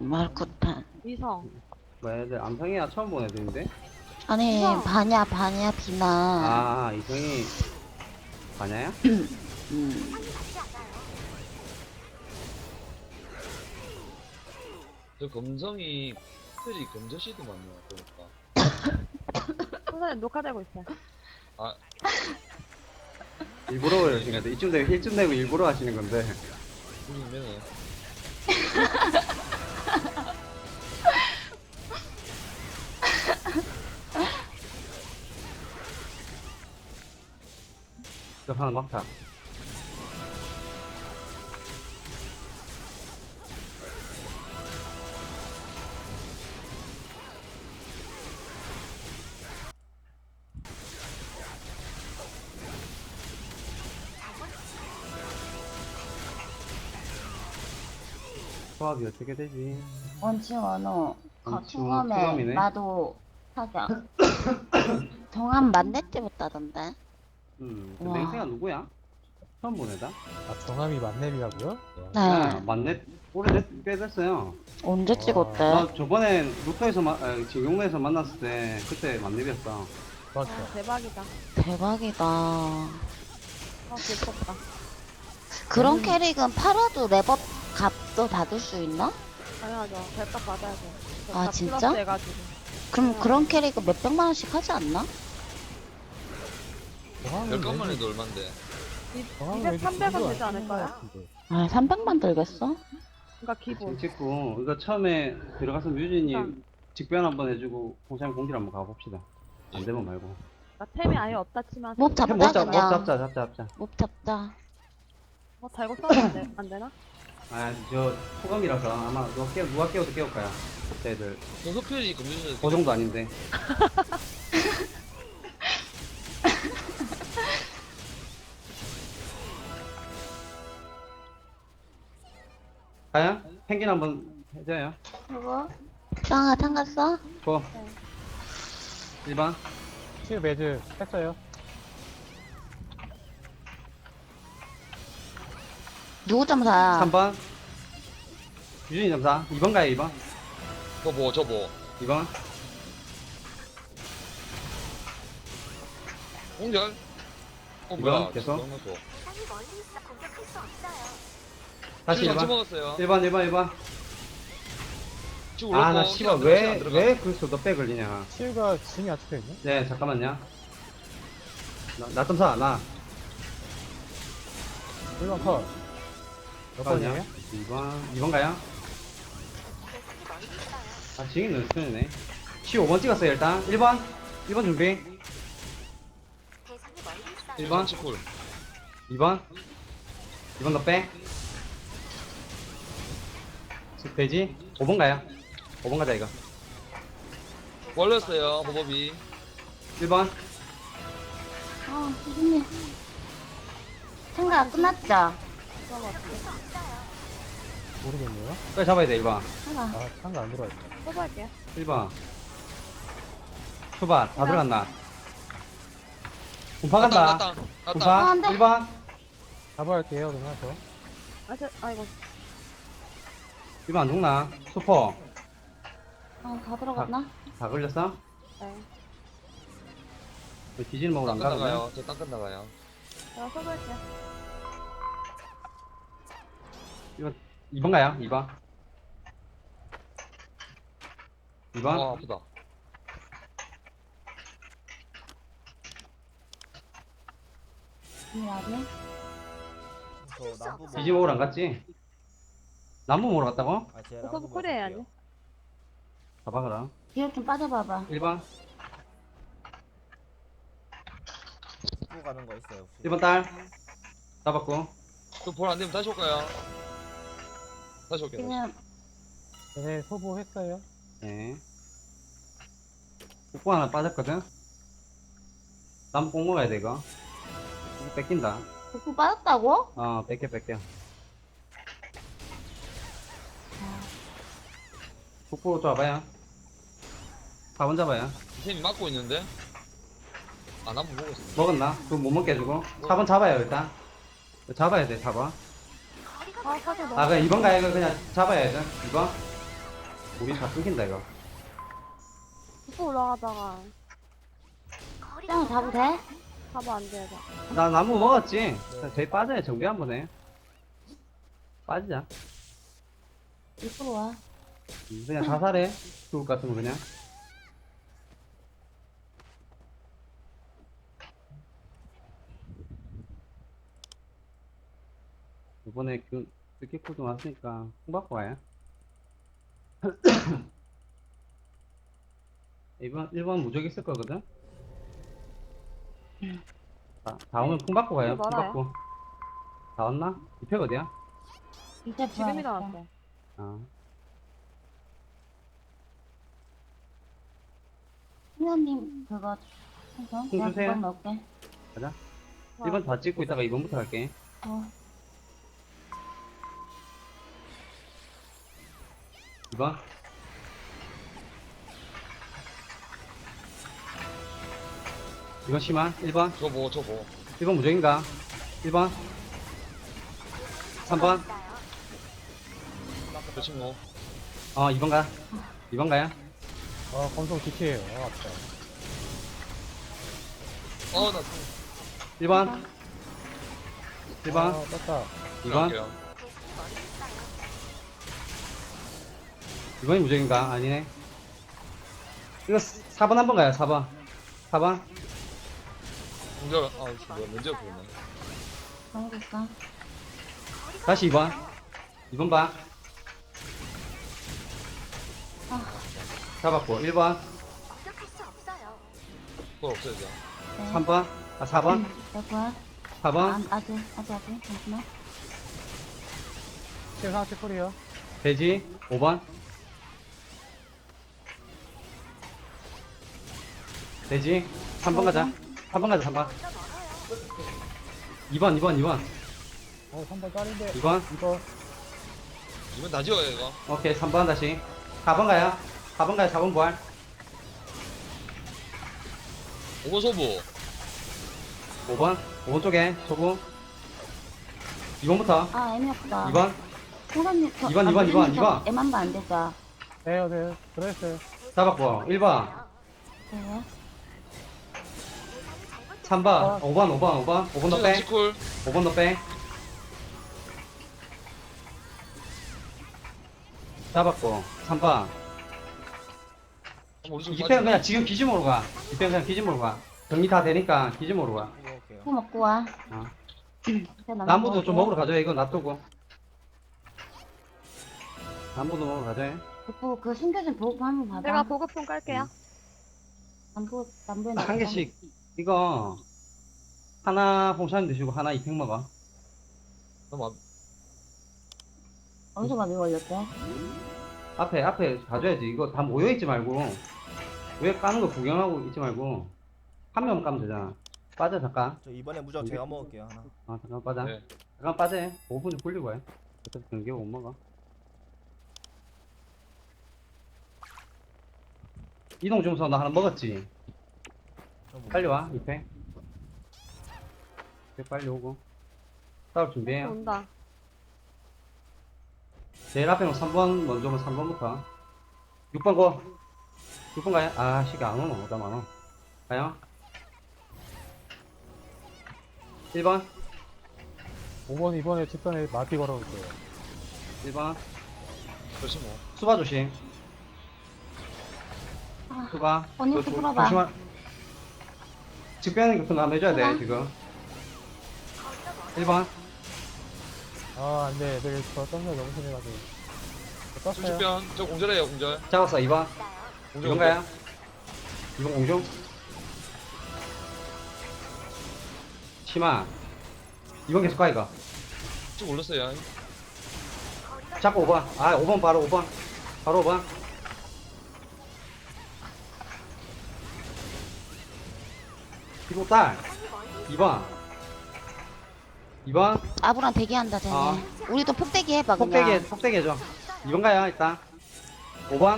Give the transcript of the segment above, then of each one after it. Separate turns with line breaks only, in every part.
말쿠탄.
이성.
뭐야, 애들 암성이야 처음 본 애들인데?
아니,
우와.
바냐, 비나.
아, 이성이 바냐야?
음.
저 검성이 특별히 검저씨도 많네요. 보니까.
선생님 녹화되고 있어요.
아,
일부러 그러신 건데 이쯤 되면 힐쯤 되고 일부러 하시는 건데.
우리면은
급하는 막타. 조합이 어떻게 되지?
원치 원호.
원치 원호
통함에
투검이네.
나도 사격. 정한 만렙 때부터 하던데.
그
와.
맹세가 누구야? 처음 본 애다?
아, 정함이 만렙이라고요?
네.
만렙 오래됐 꽤 됐어요.
언제 찍었대?
나 저번에 루터에서 지용에서 만났을 때 그때 만렙이었어.
맞죠.
아, 대박이다.
대박이다.
귀엽다.
그런 캐릭은 팔아도 랩업 값도 받을 수 있나?
당연하죠. 별값 받아야죠.
아,
별값
진짜?
플러스 해가지고.
그럼 그런 캐릭은 몇백만 원씩 하지 않나?
정함은
10건만 해도 얼만데.
200, 300은 되지 않을까요?
아, 300만 들겠어?
그러니까 기본.
찍고 이거 처음에 들어가서 뮤진이
참.
직변 한번 해주고 공장 공지를 한번 가봅시다. 안 되면 말고.
그러니까 템이 아예 없다 치면.
못 잡자,
못 잡, 못
그냥.
잡자.
못 잡자.
달고 써도 안 되나?
아, 저 소감이라서 아마 누가 깨워도 깨울 거야. 그때 애들
저 흡혈이 검저씨
그 정도 아닌데. 가야? 펭귄 한번 해줘요.
그거? 짱아, 참갔어?
고. 1번.
칠 매즈 했어요.
누구 점사야?
3번. 유진이 점사. 2번 가요, 2번.
저보.
2번.
공절.
이거
뭐야?
계속?
너무 좋아.
다시
같이
1번.
먹었어요.
1번.
지금
아, 나
올랐고,
씨발,
시간 안 들어가.
왜 그래서 너빼 걸리냐.
칠가 짐이 아직도 있네?
네, 잠깐만요. 나 점사, 나.
1번 컷. 몇 번이에요?
2번 가요? 아, 지금 눈수이네. 15번 찍었어요, 일단. 1번 준비. 1번,
치콜.
2번. 2번 더 빼. 돼지. 5번 가요. 5번 가자, 이거.
걸렸어요, 보법이.
1번.
아, 선생님. 생각 끝났죠?
모르겠네요.
빨리 잡아야 돼, 1번.
하나.
아, 상가 안 들어와 있다.
써볼게요.
1번. 초반, 다 들어갔나? 분파 간다.
났다.
분파.
안 돼.
1번.
잡아야 할게요, 그러면 저.
아이고.
1번 안 죽나? 수포.
다 들어갔나?
다 걸렸어?
네.
왜 뒤지는 먹으러 안
땅끝
가거든?
나가요. 저 땅끝 나가요.
제가 써볼게요.
2번 가요, 2번. 2번.
아프다.
미안해.
뒤지 먹으러 안 갔지? 나무 먹으러 갔다고?
서브 쿨 해야지.
봐봐, 그럼.
뒤로 좀 빠져봐봐.
1번.
또 가는 거 있어요 혹시?
1번 딸. 잡았고.
저볼안 되면 다시 올까요? 다시 올게요.
지금
네, 소보했어요.
네. 뽀뽀 하나 빠졌거든? 나무 꼭 먹어야 돼, 이거. 이거 뺏긴다.
복부 빠졌다고?
뺏겨. 뽀뽀 잡아요. 4번 잡아요.
템이 막고 있는데? 안 한번 보고 있어.
먹었나? 그거 못 먹게 해주고. 4번 잡아요, 일단. 잡아야 돼, 4번.
사실 너무.
아, 그냥 2번 가요, 이거 그냥 잡아야 돼. 2번. 우리 다 끊긴다 이거.
또 올라가다가
짱 잡으면 돼?
잡아 안 돼.
나 나무 먹었지? 저희 빠져야 정비 한번 해. 빠지자.
이쪽으로 와.
그냥 자살해. 죽을 것 같으면 그냥. 이번에 그 스키풀 좀 왔으니까 콩 받고 와요. 1번 무적 있을 거거든? 다 오면 콩 받고 가요. 콩
멀어요?
받고. 다 왔나? 이팩 어디야?
이제
지금
들어왔어.
일어났어.
아.
수현님 그거 해서 내가
주세요.
그건 넣을게.
가자. 1번 다 찍고 있다가 2번부터 갈게.
어.
2번. 이건 심한 1번.
저거.
1번 무적인가? 1번. 3번.
그렇지 뭐.
2번 가. 2번 가요.
검성 DT에요. 아깝다.
나
1번. 1번.
떴다.
2번.
갈게요.
2번이 무적인가? 아니네. 이거 4번 한번 가요. 4번. 4번.
공절, 뭐야, 먼저 보네.
넣어볼까?
다시 2번. 2번 봐. 잡았고. 1번.
그거 없어야죠.
네.
3번. 4번.
여보야.
4번.
아직. 잠시만.
치유 상체 콜이요.
돼지. 5번. 돼지. 3번 가자. 3번 가자, 3번. 2번.
3번 딸인데.
2번.
이거.
이번 다 지워요, 이거.
오케이, 3번 다시. 4번 가요. 4번 부활.
5번 소부.
5번 쪽에 소부. 2번부터.
아 애매없다.
2번.
호감님 저.
2번.
애만봐 안 되죠?
네. 들어있어요.
잡았고. 1번.
네.
3번. 5번 더 빼.
치쿨.
5번 더 빼. 잡았고. 3번.
우리 좀
2pen 그냥 지금 기지모로 가. 2pen 그냥 기지모로 가. 정리 다 되니까 기지모로 가.
이거 올게요.
코 먹고 와.
어.
나무
나무도 좀
먹을게.
먹으러 가자. 이거 놔두고. 나무도 먹으러 가자.
보고 그 숨겨진 보급 한번 봐봐.
내가 보급품 깔게요.
남부에
한 개씩. 이거 하나 홍차님 드시고 하나 2팩 먹어.
너무
어디서 밥이 걸렸대?
앞에 가져야지. 이거 다 모여있지 말고. 왜 까는 거 구경하고 있지 말고. 한 명 까면 되잖아. 빠져, 잠깐.
저 이번에 무적 제가 먹을게요 하나.
잠깐 빠져.
네.
잠깐 빠져. 5분 좀 굴리고 해. 어차피 경기 못 먹어. 이동 중서 너 하나 먹었지?
저 뭐-
빨리 와, 2팩. 2팩 빨리 오고. 싸울 준비해요.
온다.
제일 앞에 3번 먼저 오면 3번부터. 6번 고. 6번 가요. 아, 시가 안 오노. 오다 안 오. 가요. 1번.
5번, 2번에 직선에 마티 걸어볼게요.
1번.
그렇지 뭐.
수바 조심.
아,
수바.
언니
조-
풀어봐.
조심하. 직변 교통 한번 해줘야 돼,
수바.
지금. 1번.
안 돼. 애들 저 떴네. 너무 심해가지고. 저 떴어요.
수십변. 저 공절해요, 공절.
잡았어, 2번.
공절.
2번 가요. 2번 공중. 심아. 2번 계속 가, 이거.
쭉 올렸어요.
잡고 5번. 5번 바로 5번. 바로 5번. 이거 딸. 2번. 2번.
아부랑 대기한다 쟤네.
어.
우리도 폭대기 해봐 그냥.
폭대기 해줘. 2번 가요, 일단. 5번.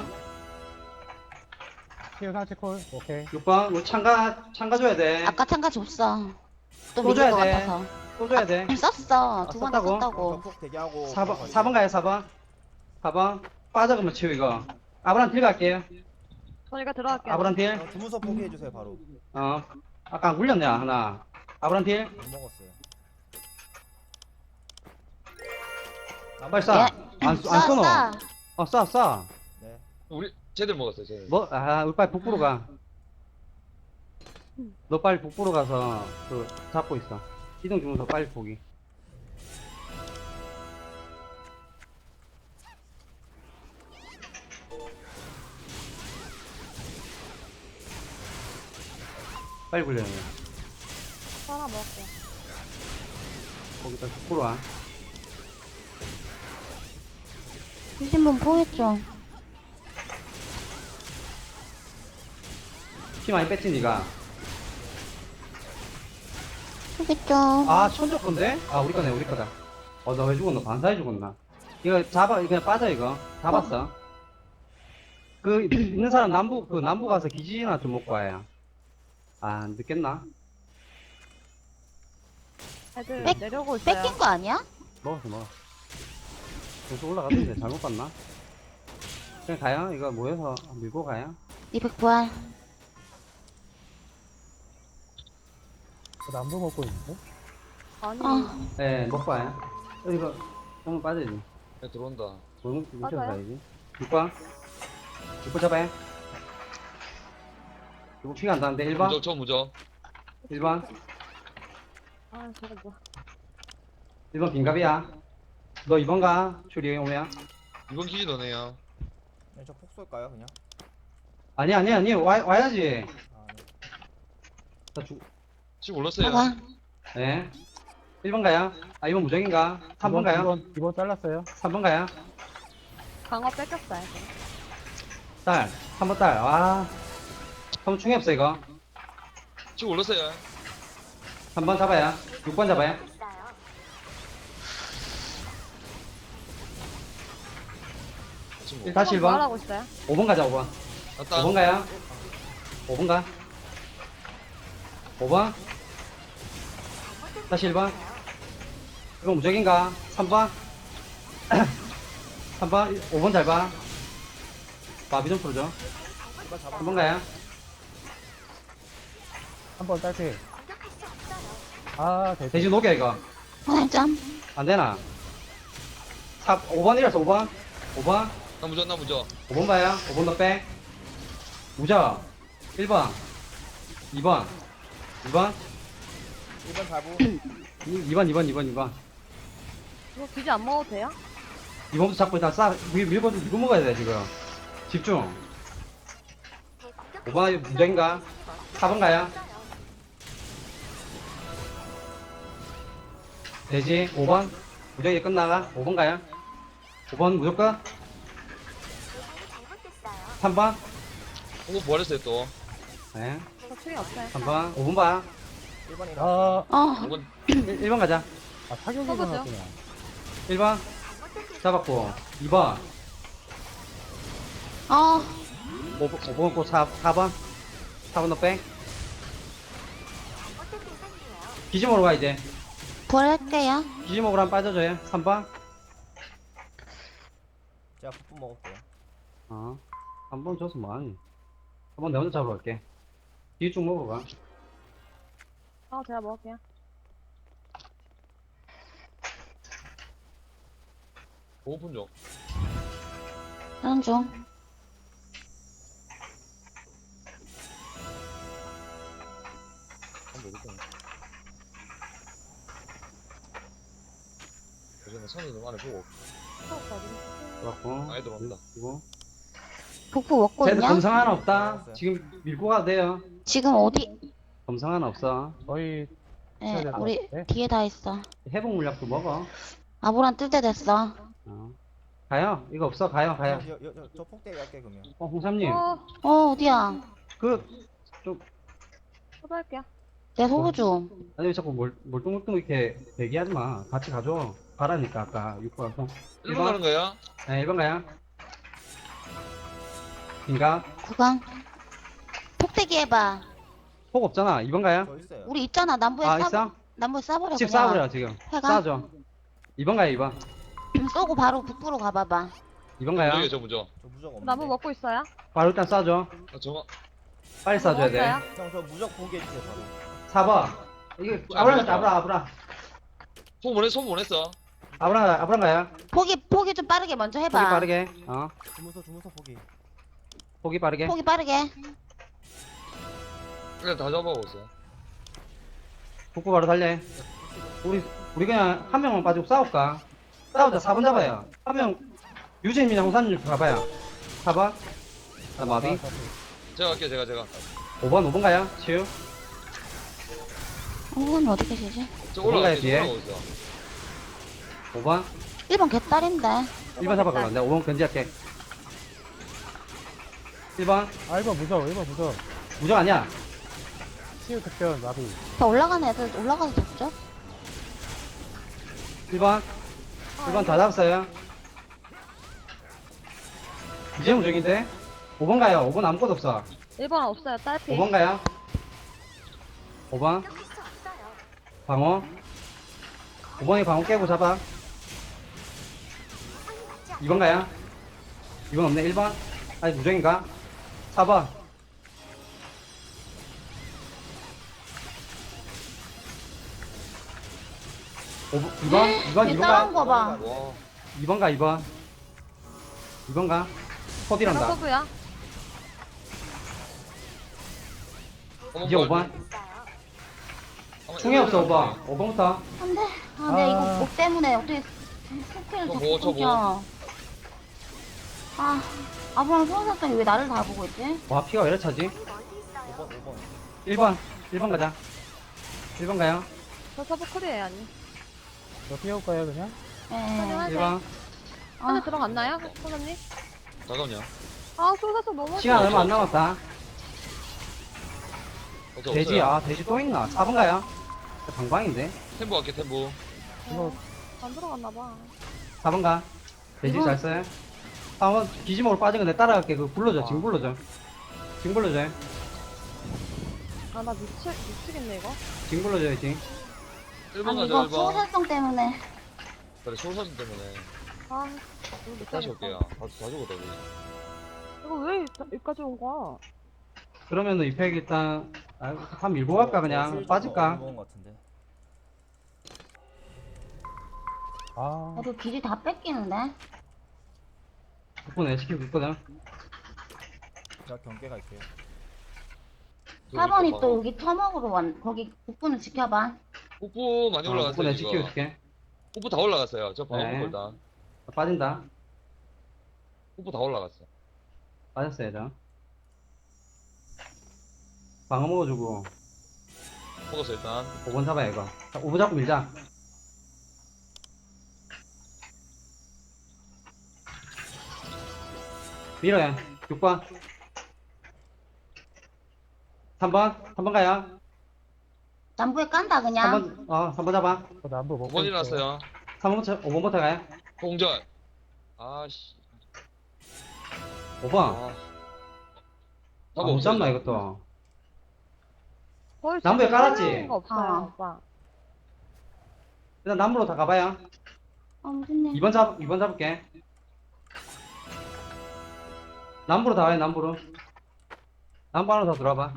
치유 상체 콜. 오케이.
6번. 우리 참가 줘야 돼.
아까 참가 줬어. 또
또
믿을
줘야
것
돼.
같아서.
또 줘야 돼.
썼어. 두 번 다
썼다고?
썼다고.
폭 대기하고.
4번 가요, 4번. 4번. 빠져, 그러면 치우, 이거. 아브란 딜 갈게요.
저희가 들어갈게요.
아브란 딜.
주문서 포기해주세요 바로.
아까 안 굴렸냐, 하나. 아브란 딜.
못 먹었어요.
빨리 쏴. 안 쏘노.
쏴.
쏴.
네.
우리 쟤들 먹었어요 쟤들.
우리 빨리 북부로 가. 너 빨리 북부로 가서, 잡고 있어. 이동 주문서 빨리 포기. 빨리 굴려야 돼.
하나 먹을게요.
거기다 북부로 와.
주신 분 포했죠?
피 많이 뺐지, 니가?
포겠죠?
천적 건데? 우리 거네, 우리 거다. 너 왜 죽었노? 반사해 죽었나? 이거 그냥 빠져, 이거. 잡았어. 있는 사람 남부 가서 기지나 좀 먹고 와요. 늦겠나?
애들
뺏-
내려오고 있어요.
뺏긴 거 아니야?
먹었어. 계속 올라갔는데 잘못 봤나? 그냥 가요? 이거 모여서 밀고 가요?
200 부활.
남도 먹고 있는데?
아니,
네, 먹고 와요. 이거, 한번 빠져야지.
네, 들어온다.
뭉쳐서
맞아요?
가야지. 6번 잡아요. 이거 피가 안 나는데, 1번?
무적 저 무적.
1번?
저거 뭐.
1번 빈갑이야. 너 2번 가, 추리 오면.
이번 기지 너네요.
네, 저폭 쏠까요 그냥?
아니, 와야지.
아 네.
나
지금 올랐어요.
봐봐.
네. 1번 가요. 2번 무적인가? 3번 가요.
2번 잘랐어요.
3번 가요.
강화 뺏겼어요.
딸. 3번 딸. 3번 충이 없어, 이거.
지금 올랐어요.
3번 잡아요. 6번 잡아요.
지금
다시 1번.
말하고 있어요.
5번 가자, 5번.
왔다.
5번 가요. 5번 가. 5번. 다시 1번. 이거 무적인가? 3번. 3번. 5번 잘 봐. 마비 좀 풀어줘.
1번 잡아.
3번 가요.
3번 딸피. 대지.
대신 녹여, 이거.
부활점.
안 되나? 5번이라서 5번. 5번.
나 무적 나 무적.
5번 봐요. 5번 더 빼. 무적. 1번. 2번. 2번.
1번 잡고.
2번.
이거 굳이 안 먹어도 돼요?
2번부터 잡고 일단 밀고 먹어야 돼, 지금. 집중. 5번 무적인가? 4번 가요. 되지? 5번. 무적이 끝나가? 5번 가요. 5번 무조건? 3번?
이거 부활했어요 또.
네.
저 출이 없어요.
3번. 5번 봐.
1번이랑.
5번
1번 가자.
타격이
써보죠.
나왔구나.
1번. 잡았고. 2번. 5번 고 4번. 4번 너 빼. 기지 먹으러 가, 이제.
부활할게요.
기지 먹으러 한번 빠져줘요. 3번.
제가 폭 먹을게요.
3번 줘서 뭐하니? 3번 내 혼자 잡으러 갈게. 뒤에 쭉 먹으러 가.
제가 먹을게요.
오픈 좀.
하는 중.
한번 모르겠네. 예전에 선이 너무 안에 보고.
잡았고.
아이 들어온다.
그리고.
복부 먹고
쟤들
있냐?
검상 하나 없다.
알았어요.
지금 밀고 가도 돼요.
지금 어디?
검상 하나 없어.
거의
네,
될것
우리
같은데?
뒤에 다 있어.
회복 물약도 먹어.
아보란 뜰 때 됐어.
가요. 이거 없어. 가요.
저 폭대기 할게 그러면.
홍삼님.
어디야?
초대할게요.
내 소부 좀.
아니, 왜 자꾸 멀뚱멀뚱 이렇게 대기하지 마. 같이 가줘. 가라니까, 아까 6번.
1번 가는 거야?
네, 1번 가요. 인가?
구강. 폭대기 해봐.
폭 없잖아. 2번 가요.
저 있어요.
우리 있잖아. 남부에
있어?
남부에 싸버려.
집
그냥.
싸버려, 지금.
해가?
싸줘. 2번 가요, 2번.
쏘고 바로 북부로 가봐봐.
2번 가요.
무적이에요, 저 무적.
저 무적 없는데.
나무 먹고 있어요?
바로 일단 쏴줘.
아, 저거.
빨리 쏴줘야 돼.
먹었어요?
형, 저 무적 보게 해주세요, 바로.
4번. 이게 아브라 갔다, 아브라.
소문 보냈어.
아브라 가요.
포기 좀 빠르게 먼저
포기
해봐.
빠르게.
주문서 보기.
포기 빠르게.
포기 빠르게.
그래, 다 잡아보고 있어요.
북부 바로 달려. 우리 그냥 한 명만 빠지고 싸울까? 싸우자. 4번 잡아요. 한 명, 유재민이랑 홍산님 가봐요. 4번. 나 마비.
제가 갈게요, 제가.
5번 가요. 치유.
어디 계시지?
저
올라가요,
올라가요,
뒤에.
올라가고 있어.
5번.
1번 개딸인데.
1번 잡아가. 내가 5번 견제할게. 1번.
아 1번 무적
무적 아니야.
치유 특별 나비.
더 올라가는 애들 올라가서 잡죠?
1번. 1번 다 잡았어요. 이제 무적인데? 5번 가요. 5번 아무것도 없어.
1번 없어요, 딸피.
5번 가요. 5번. 방어. 5번이 방어 깨고 잡아. 2번 가요. 2번 없네. 1번. 아니, 무적인가? 4번. 2번
따라온
가.
거 봐.
와.
2번 가, 2번. 2번 가. 포딜한다.
서브야?
이제 5번. 충이 없어, 5번. 5번부터.
안 돼. 아, 내가 이거 목 때문에 어떻게 스크린을
저
자꾸
뭐.
끊겨. 아, 아브랑 소원사장이 왜 나를 다 보고 있지?
와, 피가 왜 이렇게 차지?
5번.
1번 가자. 1번 가요.
저 서브 쿨이에요, 아니?
저 피해올까요 그냥?
예.
하세요.
1번.
안에
아,
들어갔나요, 소장님?
잠깐만요.
아, 소사서 너무
시간 얼마 안 남았다.
없어,
돼지,
없어요.
돼지 또 있나? 4번 가요. 방방인데?
템보 갈게, 템보.
이거
안 들어갔나봐.
4번 가. 돼지 잘 써요. 4번 기지목으로 빠진 거 내 따라갈게. 그거 불러줘. 지금 불러줘. 지금 불러줘.
아, 나 미치겠네, 이거.
지금 불러줘야지.
1번
아니
가자,
이거
1번.
소사성 때문에.
그래, 소사진 때문에.
아, 이거 못
다시
가겠다.
올게요. 다 죽었다, 우리.
이거 왜 여기까지 온 거야?
그러면은 이팩 일단, 한 밀고 갈까, 그냥? 빠질까?
먹은 것 같은데.
아
나도 길이 다 뺏기는데.
북부는 SQ 있거든.
제가 경계 갈게요.
4번이 또 여기 터먹으로 거기 북부는 지켜봐.
뽀뽀 많이
북부
올라갔어요,
내
지금.
SQ 줄게.
뽀뽀 다 올라갔어요. 저 방어
네.
먹고 일단.
빠진다.
뽀뽀 다 올라갔어.
빠졌어요, 저. 방어 먹어주고.
먹었어, 일단.
5번 잡아야 이거. 자, 5번 잡고 밀자. 밀어요. 6번. 3번 가요.
남부에 깐다 그냥.
3번 잡아.
저 남부 먹고
5번
있어요.
일어났어요.
5번부터 가요.
공전. 아씨.
5번.
아.
못 잡나, 이것도.
거의
남부에
지금
깔았지?
설명인 거 없어요,
아.
오빠.
일단 남부로 다 가봐요.
무슨 일?
2번 잡을게. 남부로 다 와요, 남부로. 남부 안으로 다 들어와봐.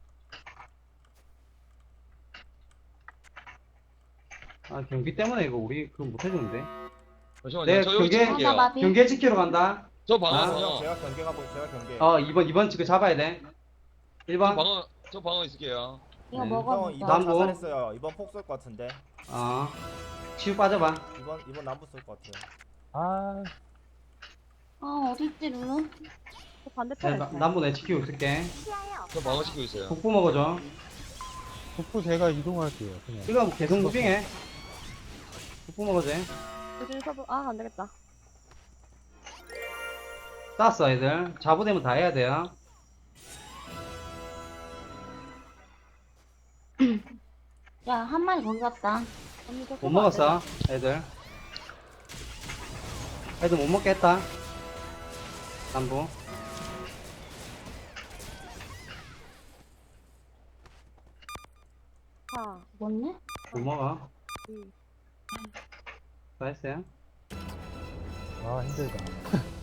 경기 때문에 이거 우리 그거 못 해주는데.
잠시만요.
네,
저 여기
그게-
찍을게요.
아, 마비.
경기에 지키러 간다.
저 방어,
아.
방어.
제가 경계 가고 제가 경계.
2번 지금 잡아야 돼. 1번.
저 방어 있을게요.
이거
네.
먹어.
형 이번
남부.
자살했어요. 이번 폭 쏠 것 같은데.
치유 빠져봐.
이번 남부 쏠 것 같아요.
아
어디 있지 룰루?
저 반대편에
네,
있어요.
남부 내 지키고 있을게.
저 방어 시키고 있어요.
북부 먹어줘.
북부 제가 이동할게요 그냥.
이거 계속 무빙해. 북부 먹어줘.
요즘 서브, 아, 안 되겠다.
땄어, 애들. 자부되면 다 해야 돼요.
야, 한 마리 거기 갔다.
언니 저
못
서브
먹었어, 애들. 애들 못 먹겠다. 남부.
안 돼.
뭐네?
못 먹어.
응.
다 했어요?
아 힘들다.